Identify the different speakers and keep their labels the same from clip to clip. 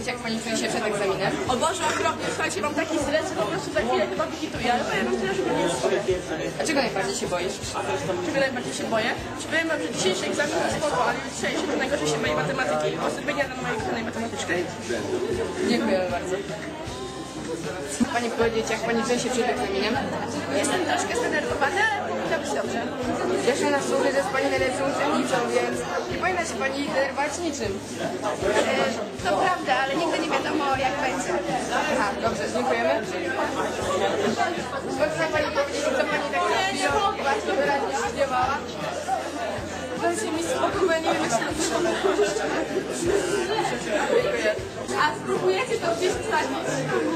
Speaker 1: powiedzieć, jak pani czuje się przed egzaminem?
Speaker 2: O Boże, okropnie, słuchajcie, mam taki stres, że po prostu za chwilę chyba wykituję, ale powiem wam tyle, że nie jest.
Speaker 1: A czego najbardziej się boisz?
Speaker 2: Czego najbardziej się boję? Czy powiem wam, że dzisiejszy egzamin jest spoko, ale dzisiejszy to najgorzej się boję matematyki. Pozdrowienia dla mojej kochanej matematyczki.
Speaker 1: Dziękujemy bardzo. Pani powiedzieć, jak pani czuje się przed egzaminem?
Speaker 2: Jestem troszkę zdenerwowana, ale powinno być dobrze.
Speaker 1: Jeszcze nas służy, że jest pani najlepszą uczennicą, więc nie powinna się pani denerwować niczym.
Speaker 2: To prawda, ale nigdy nie wiadomo jak będzie.
Speaker 1: Aha, dobrze, dziękujemy. Chce pani powiedzieć, co pani tak nie bardzo wyraźnie się śpiewała? Dajcie mi spokój, bo ja nie wiem, jak się Dziękuję.
Speaker 2: A spróbujecie to gdzieś wsadzić?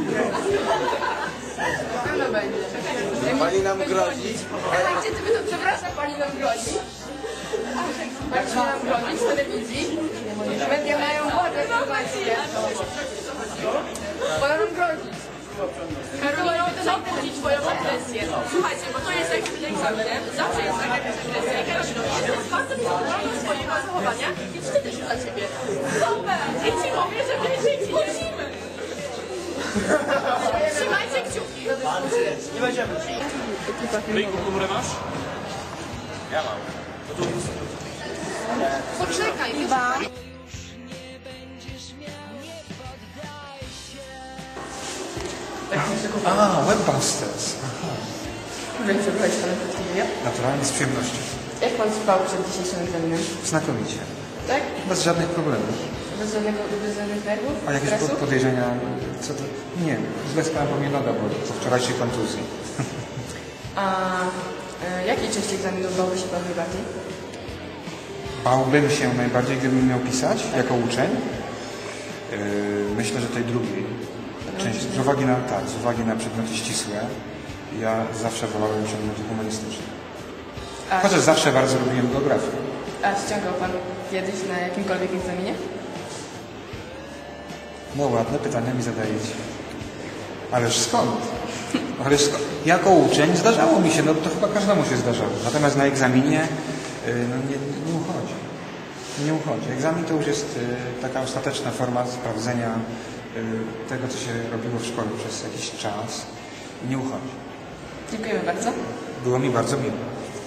Speaker 1: Na pewno będzie.
Speaker 3: Pani nam grozi?
Speaker 1: Gdzie ty by to, przepraszam, pani nam grozi? Pani nam grozi w telewizji? Media mają władzę informacje. Pana nam grozi.
Speaker 2: Karolino, co budzić moją agresję? Słuchajcie, bo to jest jak z egzaminem, zawsze jest taka agresja. I Karolino, jestem bardzo zadowolona z swojego zachowania i wstydzę się dla ciebie. Super! I ci mówię, że bliżej ci lecimy. Trzymajcie kciuki.
Speaker 3: Nie będziemy.
Speaker 4: Ryjku, komórę masz?
Speaker 3: Ja mam.
Speaker 1: Poczekaj, chyba.
Speaker 5: Webbusters.
Speaker 1: Możemy przeprowadzić pana przedstawienia?
Speaker 5: Naturalnie, z przyjemnością.
Speaker 1: Jak pan spał przed dzisiejszym egzaminem?
Speaker 5: Znakomicie.
Speaker 1: Tak?
Speaker 5: Bez żadnych problemów.
Speaker 1: Bez żadnych nerwów?
Speaker 5: A jakieś
Speaker 1: Stresu?
Speaker 5: podejrzenia? Co to? Nie, źle spałem, bo mnie noga boli po wczorajszej kontuzji.
Speaker 1: A jakiej części egzaminu bałby się pan najbardziej?
Speaker 5: Bałbym się najbardziej, gdybym miał pisać jako uczeń. Myślę, że tej drugiej części. Z uwagi na przedmioty ścisłe. Ja zawsze wolałem przedmioty humanistyczne. Chociaż zawsze bardzo lubiłem geografię.
Speaker 1: A ściągał pan kiedyś na jakimkolwiek egzaminie?
Speaker 5: No ładne pytania mi zadajecie. Ależ skąd? Jako uczeń zdarzało mi się, no to chyba każdemu się zdarzało. Natomiast na egzaminie no nie uchodzi. Nie uchodzi. Egzamin to już jest taka ostateczna forma sprawdzenia tego, co się robiło w szkole przez jakiś czas. Nie uchodzi.
Speaker 1: Dziękujemy bardzo.
Speaker 5: Było mi bardzo miło.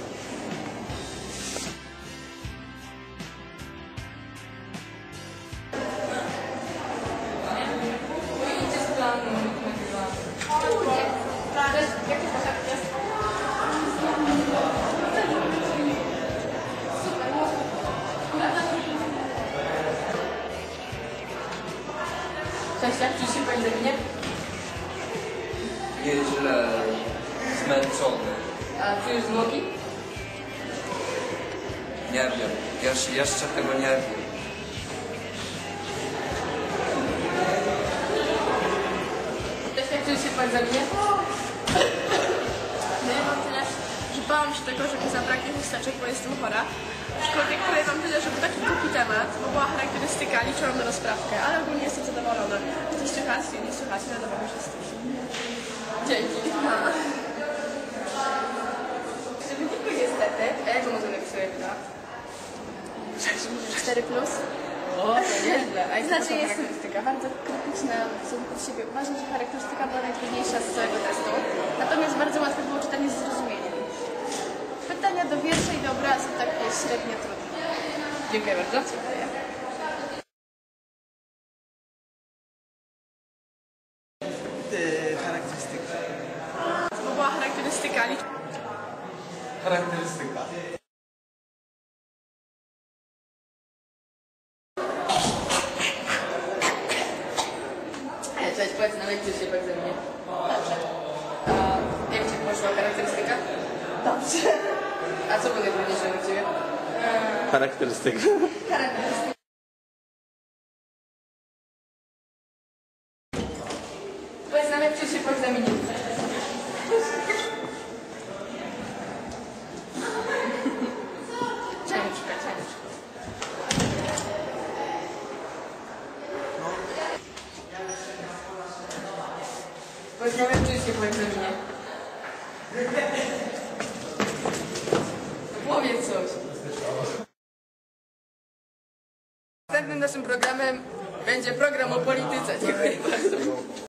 Speaker 1: Cześć, jak czujesz się po egzaminie?
Speaker 6: Nieźle zmęczony.
Speaker 1: A czujesz zwłoki?
Speaker 6: Nie wiem. Jeszcze tego nie wiem.
Speaker 1: Cześć, jak czujesz się po egzaminie?
Speaker 2: No ja mam tyle, że bałam się tego, że mi zabraknie chusteczek, bo jestem chora. Aczkolwiek powiem wam tyle, że był taki głupi temat, bo była charakterystyka, liczyłam na rozprawkę, ale ogólnie jestem zadowolona. Coś słychać, nie słychać, ale dobra, już jesteś.
Speaker 1: Dzięki. W wyniku niestety, a jak to może napisać na?
Speaker 2: 4 plus.
Speaker 1: O, to nieźle. A jaka
Speaker 2: Znaczy
Speaker 1: to
Speaker 2: jest
Speaker 1: charakterystyka?
Speaker 2: bardzo krytyczna w stosunku do siebie. Uważam, że charakterystyka była najtrudniejsza z całego testu. Natomiast bardzo łatwe było czytanie z zrozumieniem. Pytania do wiersza i do obrazu takie średnio trudne.
Speaker 1: Dziękuję bardzo.
Speaker 3: Charakterystyka.
Speaker 2: Bo była charakterystyka.
Speaker 6: Charakterystyka.
Speaker 1: Cześć, powiedz nam, jak czujesz się po egzaminie? Dobrze. A jak ci poszła charakterystyka?
Speaker 2: Dobrze.
Speaker 1: A co było najtrudniejsze u ciebie?
Speaker 3: Charakterystyka.
Speaker 1: Charakterystyka. Powiedz nam, jak czujesz się po egzaminie? Ciężko. Powiedz nam, jak czujesz się po egzaminie? Powiedz coś. Następnym naszym programem Będzie program o polityce. Dziękuję bardzo.